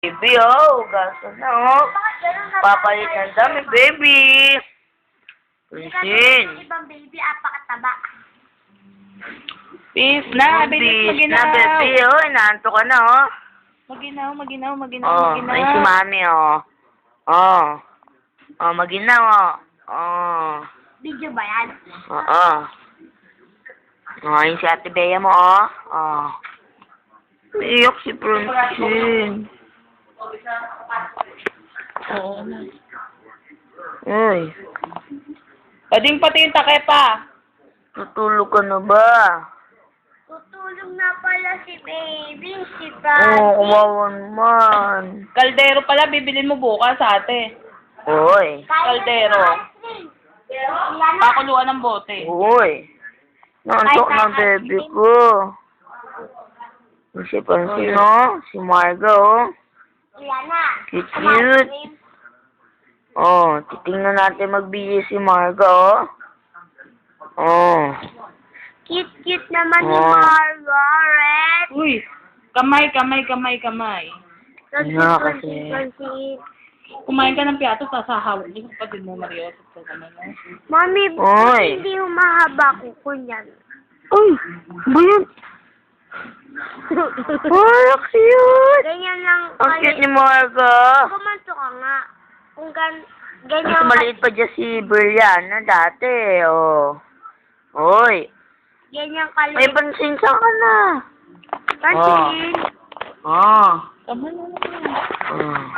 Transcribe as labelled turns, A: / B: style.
A: Baby, oh. Gasa na, oh. Papalit ng dami, baby. Prinsin.
B: Ibang baby, apakataba.
C: Peace na, bilis
A: Bis
C: maginaw.
A: na, baby, oh. Inaanto ka na, oh.
C: Maginaw.
A: Oh, ay si mami, oh. Oh. Oh, maginaw, oh. Oh.
B: Video ba yan?
A: Oo. Oh, yung si Ate Bea mo, oh. Oh. Iyak si Prinsin.
C: Oo.
A: Uy,
C: Pwedeng pati yung takepa.
A: tutulog ka na ba?
B: Tutulog na pala si baby, si
A: Oo,
B: Daddy.
A: kawawa naman.
C: Kaldero pala, bibilin mo bukas ate.
A: Uy.
C: Kaldero. Pakuluan ng bote.
A: Uy. Nantok na baby ko. Yung si Prinsin, oh. Si Marga, oh.
B: Yan na.
A: Cute. Oh, titingnan natin magbigay si Marga, oh. Oh.
B: Cute naman ni
A: Oh.
B: Margaret.
C: Uy, kamay.
A: Nga kasi.
C: Kumain ka ng piato, sasahawin niyo kapatid mo, Mario.
B: Mami,
A: Oy.
B: hindi humahaba kuko niyan.
A: Uy, ba yan? Oh, cute.
B: Ganyan lang.
A: Ang cute ni Marga.
B: Kumanto ka nga. Kung
A: Mas
B: ganyan
A: maliit pa dyan si Brianna dati, oh. Uy.
B: ganyan
A: May
B: kaliit.
A: pansin saan ka na?
B: Pansin.
A: Oh.
C: Tama na.
A: Oh.